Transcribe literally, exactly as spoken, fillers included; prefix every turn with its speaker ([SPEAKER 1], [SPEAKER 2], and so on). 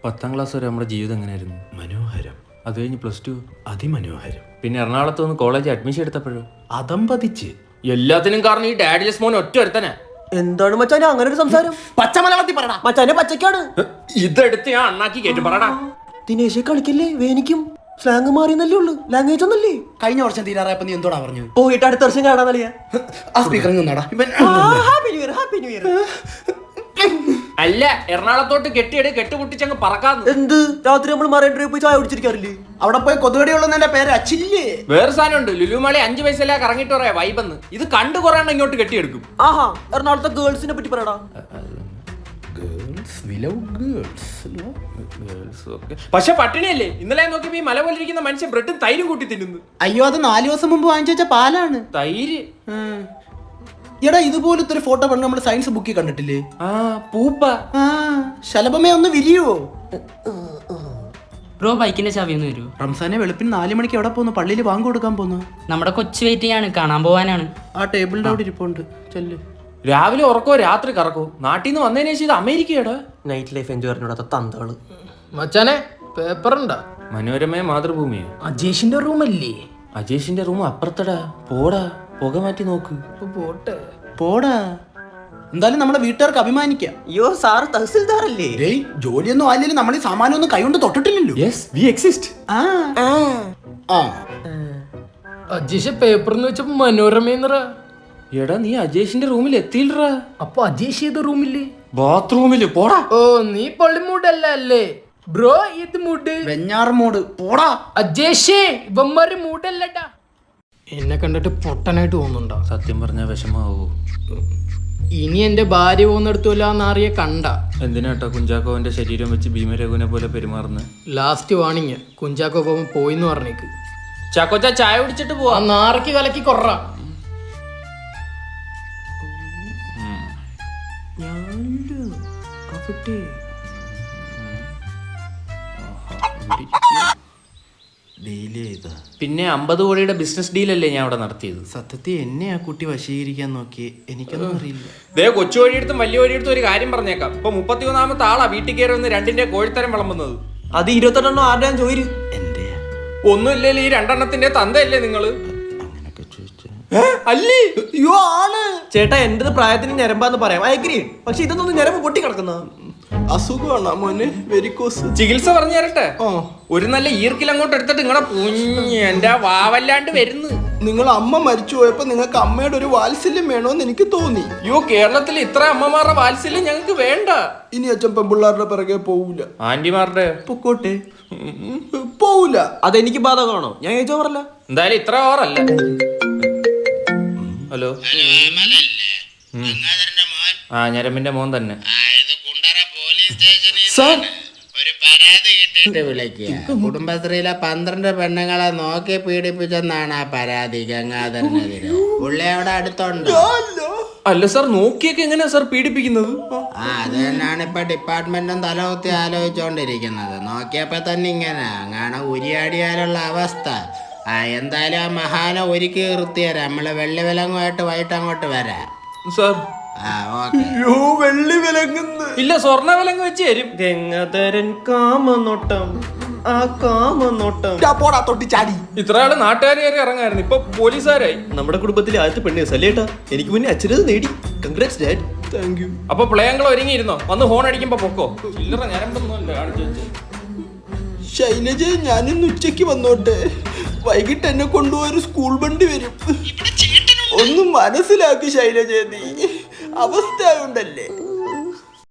[SPEAKER 1] പത്താം ക്ലാസ് വരെ നമ്മുടെ ജീവിതം എങ്ങനെയായിരുന്നു?
[SPEAKER 2] മനോഹരം.
[SPEAKER 1] അത് കഴിഞ്ഞ് പ്ലസ് ടു
[SPEAKER 2] അതിമനോഹരം.
[SPEAKER 1] പിന്നെ എറണാകുളത്ത് വന്ന് കോളേജ് അഡ്മിഷൻ എടുത്തപ്പോഴോ
[SPEAKER 2] അതമ്പതിച്ച്.
[SPEAKER 1] എല്ലാത്തിനും കാരണം ഈ ഡാഡിലെസ് മോൻ ഒറ്റ ഒരുത്തനെ.
[SPEAKER 3] എന്താണ് മച്ചാനെ അങ്ങനെ ഒരു സംസാരം?
[SPEAKER 1] പച്ചമലയാളത്തിൽ പറടാ.
[SPEAKER 3] മച്ചാനെ പച്ചക്കാണ്.
[SPEAKER 1] ഇതെടുത്ത് ഞാൻ അണ്ണാക്കി കേട്ടു പറടാ.
[SPEAKER 3] ദിനേശെ കളിക്കല്ലേ, വേനിക്കും സ്ലാങ് മാറിയെന്നല്ലേ ഉള്ളു, ലാംഗ്വേജ് ഒന്നല്ലേ.
[SPEAKER 2] കഴിഞ്ഞ വർഷം തീരാറായപ്പോ നീ എന്തോടാ പറഞ്ഞു?
[SPEAKER 3] പോയിട്ട് അടുത്ത വർഷം കാണാന്നറിയാ.
[SPEAKER 2] ആ സ്പീക്കറിൽ നിന്നാടാ ഇവൻ.
[SPEAKER 3] Happy new year, happy new year.
[SPEAKER 1] അല്ല, എറണാകുളത്തോട്ട് കെട്ടിയെട് കെട്ടുപൊട്ടിച്ചങ്ങ് പറക്കാന്ന്.
[SPEAKER 3] എന്ത് രാത്രി നമ്മൾ മറൈൻ ഡ്രൈവ് പോയി ചായ കുടിച്ചിരിക്കാറില്ലേ?
[SPEAKER 2] അവിടെ പോയി കൊതുകടിയുള്ളതിന്റെ പേര് അച്ചില്ലേ.
[SPEAKER 1] വേറെ സാധനം ഉണ്ട്, ലുലുമാളി അഞ്ചു പൈസ കറങ്ങിട്ട് പറയാ വൈബെന്ന്. ഇത് കണ്ടു കുറേ ഇങ്ങോട്ട് കെട്ടിയെടുക്കും.
[SPEAKER 3] ആഹാ, എറണാകുളത്തെ ഗേൾസിനെ പറ്റി പറയടാ.
[SPEAKER 1] പക്ഷെ പട്ടിണിയല്ലേ? ഇന്നലെ നോക്കിയപ്പോ ഈ മല പോലിരിക്കുന്ന മനുഷ്യൻ ബ്രെഡും തൈരും കൂട്ടി തിന്നുന്നു.
[SPEAKER 2] അയ്യോ, അത് നാലു ദിവസം മുമ്പ് വാങ്ങിച്ചു വെച്ച പാലാണ്.
[SPEAKER 1] തൈര്
[SPEAKER 2] എടാ, ഇതുപോലത്തെ ഒരു ഫോട്ടോ പണ്ട് നമ്മൾ സയൻസ് ബുക്കിൽ കണ്ടിട്ടില്ലേ?
[SPEAKER 1] ആ പൂപ്പ.
[SPEAKER 2] ആ ശലഭമേ ഒന്ന് വിരിയോ.
[SPEAKER 4] ബ്രോ ബൈക്കിന്റെ ചാവി ഒന്ന് വരുമോ?
[SPEAKER 2] റംസാനെ വെളുപ്പിന് നാലു മണിക്ക് എവിടെ പോന്നു? പള്ളിയിൽ വാങ്ങ് കൊടുക്കാൻ പോന്നു.
[SPEAKER 4] നമ്മുടെ കൊച്ചു വെയിറ്റിംഗ് ആണ്, കാണാൻ പോവാനാണ്.
[SPEAKER 2] ആ ടേബിളിന്റെ അവിടെ ഇരിപ്പുണ്ട്. ചെല്ല്.
[SPEAKER 1] രാവിലെ ഉറക്കോ രാത്രി കറക്കോ. നാട്ടിൽ നിന്ന് വന്നതിന് ശേഷം ഇത് അമേരിക്കയാടാ.
[SPEAKER 3] നൈറ്റ് ലൈഫ് എൻജോയ് പറഞ്ഞോടാ തന്തകള്.
[SPEAKER 5] മച്ചാനെ പേപ്പർ ഉണ്ടാ?
[SPEAKER 1] മനോരമയെ മാതൃഭൂമിയോ?
[SPEAKER 5] അജേഷിന്റെ റൂമല്ലേ?
[SPEAKER 1] അജേഷിന്റെ റൂം അപ്പുറത്തടാ. പോടാ, പുക മാറ്റി നോക്ക്.
[SPEAKER 5] പോട്ടെ
[SPEAKER 2] പോടാ. എന്തായാലും നമ്മുടെ വീട്ടുകാർക്ക് അഭിമാനിക്കാം.
[SPEAKER 3] അയ്യോ സാറ് തഹസിൽദാറല്ലേ?
[SPEAKER 2] ഡേയ്, ജോലിയൊന്നും ആയില്ലെങ്കിൽ നമ്മൾ ഈ സാമാനം ഒന്നും കൈകൊണ്ട് തൊട്ടിട്ടില്ലല്ലോ.
[SPEAKER 1] Yes, V exist.
[SPEAKER 2] ആ ആ
[SPEAKER 5] അജേഷ് പേപ്പർ എന്ന് വെച്ചപ്പോ മനോരമ.
[SPEAKER 1] എടാ, നീ അജേഷിന്റെ റൂമിൽ എത്തിയില്ലടാ.
[SPEAKER 5] അപ്പൊ അജേഷ് ഏത് റൂമില്ലേ?
[SPEAKER 1] ബാത്റൂമില്. പോടാ.
[SPEAKER 5] ഓ, നീ പള്ളിമൂടല്ല അല്ലേ ബ്രോ? ഇത് മൂഡ്
[SPEAKER 2] വെഞ്ഞാറമൂട്. പോടാ.
[SPEAKER 5] അജേഷേ, ഇവന്മാര് മൂടല്ലട്ടാ. എന്നെ കണ്ടിട്ട് പൊട്ടനായിട്ട് തോന്നുന്നുണ്ടോ?
[SPEAKER 1] സത്യം പറഞ്ഞ വിഷമാവോ?
[SPEAKER 5] ഇനി എന്റെ ഭാര്യ പോകുന്നിടത്തുമില്ലാന്നറിയ കണ്ട.
[SPEAKER 1] എന്തിനാട്ടോ കുഞ്ചാക്കോവന്റെ ശരീരം വെച്ച് ഭീമരഘുവിനെ പോലെ പെരുമാറുന്നത്?
[SPEAKER 5] ലാസ്റ്റ് വാണിങ്, കുഞ്ചാക്കോ പോകുമ്പോ പോയിന്ന് പറഞ്ഞേക്ക്.
[SPEAKER 1] ചാക്കോച്ച ചായ കുടിച്ചിട്ട്
[SPEAKER 5] ആ
[SPEAKER 1] പോവാ.
[SPEAKER 5] നാറയ്ക്ക് കലക്കി കൊറ. പിന്നെ അമ്പത് കോടിയുടെ ബിസിനസ് ഡീലല്ലേ ഞാൻ അവിടെ നടത്തിയത്.
[SPEAKER 2] സത്യത്തിൽ എന്നെ ആ കുട്ടി വശീകരിക്കാൻ നോക്കി. എനിക്കൊന്നും അറിയില്ല.
[SPEAKER 1] ദേ, കൊച്ചു വഴിയെടുത്തും വലിയ വഴിയെടുത്തും ഒരു കാര്യം പറഞ്ഞേക്കാം. ഇപ്പൊ മുപ്പത്തിമൂന്നാമത്തെ ആളാ വീട്ടിൽ കയറി വന്ന് രണ്ടിന്റെ കോഴിത്തരം വിളമ്പുന്നത്.
[SPEAKER 3] അത് ഇരുപത്തെണ്ണം ആരുടെ ചോദിച്ചു?
[SPEAKER 2] എന്റെ
[SPEAKER 1] ഒന്നുമില്ലല്ലോ, ഈ രണ്ടെണ്ണത്തിന്റെ തന്തയല്ലേ നിങ്ങള്? അല്ലേ?
[SPEAKER 3] അയ്യോ ആണ് ചേട്ടാ, എന്റെ പ്രായത്തിന് ഞരമ്പാന്ന് പറയാം, അയഗ്രി. പക്ഷെ ഇതൊന്നും ഞരമ്പ് പൊട്ടി കിടക്കുന്ന
[SPEAKER 2] അസുഖമാണ് മോനെ, വെരിക്കോസ്.
[SPEAKER 1] ചികിത്സ പറഞ്ഞു തരട്ടെ? ഒരു നല്ല ഈർക്കിൽ അങ്ങോട്ട് എടുത്തിട്ട് നിങ്ങളെ പുഞ്ഞ് എന്റെ വാവല്ലാണ്ട് വരുന്നു.
[SPEAKER 2] നിങ്ങൾ അമ്മ മരിച്ചു പോയപ്പോ നിങ്ങൾക്ക് അമ്മയുടെ ഒരു വാത്സല്യം വേണോന്ന് എനിക്ക് തോന്നി.
[SPEAKER 1] അയ്യോ, കേരളത്തിൽ ഇത്ര അമ്മമാരുടെ വാത്സല്യം ഞങ്ങൾക്ക് വേണ്ട.
[SPEAKER 2] ഇനി അച്ഛൻ പെമ്പിള്ളാരുടെ പിറകെ പോവൂല.
[SPEAKER 1] ആന്റിമാരുടെ
[SPEAKER 3] പൊക്കോട്ടെ.
[SPEAKER 2] പോവൂല.
[SPEAKER 3] അതെനിക്ക് ബാധകമാണോ? ഞാൻ ചോദിച്ചോ പറഞ്ഞല്ല.
[SPEAKER 1] എന്തായാലും ഇത്ര ഓറല്ല. ഹലോ, ആ ഞരമ്പിന്റെ മോൻ തന്നെ.
[SPEAKER 6] ഒരു പരാതി കിട്ടിയിട്ട് വിളിക്കുക. കുടുംബശ്രീയിലെ പന്ത്രണ്ട് പെണ്ണുങ്ങളെ നോക്കി പീഡിപ്പിച്ചെന്നാണ് ആ പരാതി ഗംഗാധരനെതിരെ. പുള്ളി അവിടെ അടുത്തുണ്ട്.
[SPEAKER 1] അല്ല സാർ, നോക്കിയൊക്കെ എങ്ങനെയാ സാർ പീഡിപ്പിക്കുന്നത്?
[SPEAKER 6] ആ അത് തന്നെയാണ് ഇപ്പൊ ഡിപ്പാർട്ട്മെന്റും തലകുത്തി ആലോചിച്ചോണ്ടിരിക്കുന്നത്. നോക്കിയപ്പോ തന്നെ ഇങ്ങനെ അങ്ങനെ ഉരിയാടിയാലുള്ള അവസ്ഥ. ആ എന്തായാലും ആ മഹാനെ ഒരുക്കി നിർത്തിയരാം. നമ്മള് വെള്ളി വിലങ്ങുമായിട്ട് വൈകിട്ട് അങ്ങോട്ട് വരാം
[SPEAKER 1] സാർ.
[SPEAKER 6] ആ ഓക്കെ.
[SPEAKER 2] വെള്ളി വിലങ്ങുന്നു.
[SPEAKER 1] ഇല്ല, സ്വർണ്ണ വിലങ്ങ് വെച്ച് തരും.
[SPEAKER 3] ഗംഗാധരൻ കാമനോട്ടം, ആ കാമനോട്ടം.
[SPEAKER 2] പോടാ തൊട്ടി ചാടി.
[SPEAKER 1] ഇത്ര ആള് നാട്ടുകാർ കയറി ഇറങ്ങായിരുന്നു, ഇപ്പൊ പോലീസുകാരായി.
[SPEAKER 3] നമ്മുടെ കുടുംബത്തിലെ ആദ്യത്തെ പെണ്ണ് സല്ലേട്ടാ. എനിക്ക് മുന്നേ അച്ഛനത് നേടി. Congrats dad.
[SPEAKER 2] Thank you.
[SPEAKER 1] അപ്പൊ പ്ലേയങ്ങൾ ഒരുങ്ങിയിരുന്നോ? വന്ന് ഹോൺ അടിക്കുമ്പോ പൊക്കോ. ചില്ലറ ഞരമ്പൊന്നുമല്ല കാണിച്ചു വെച്ച്.
[SPEAKER 2] ശൈലജ, ഞാനിന്ന് ഉച്ചക്ക് വന്നോട്ടെ. വൈകിട്ട് എന്നെ കൊണ്ടുപോയൊരു സ്കൂൾ വണ്ടി വരും. ഒന്നും മനസ്സിലാക്കി ശൈലജ, നീ അവസ്ഥ ഉണ്ടല്ലേ.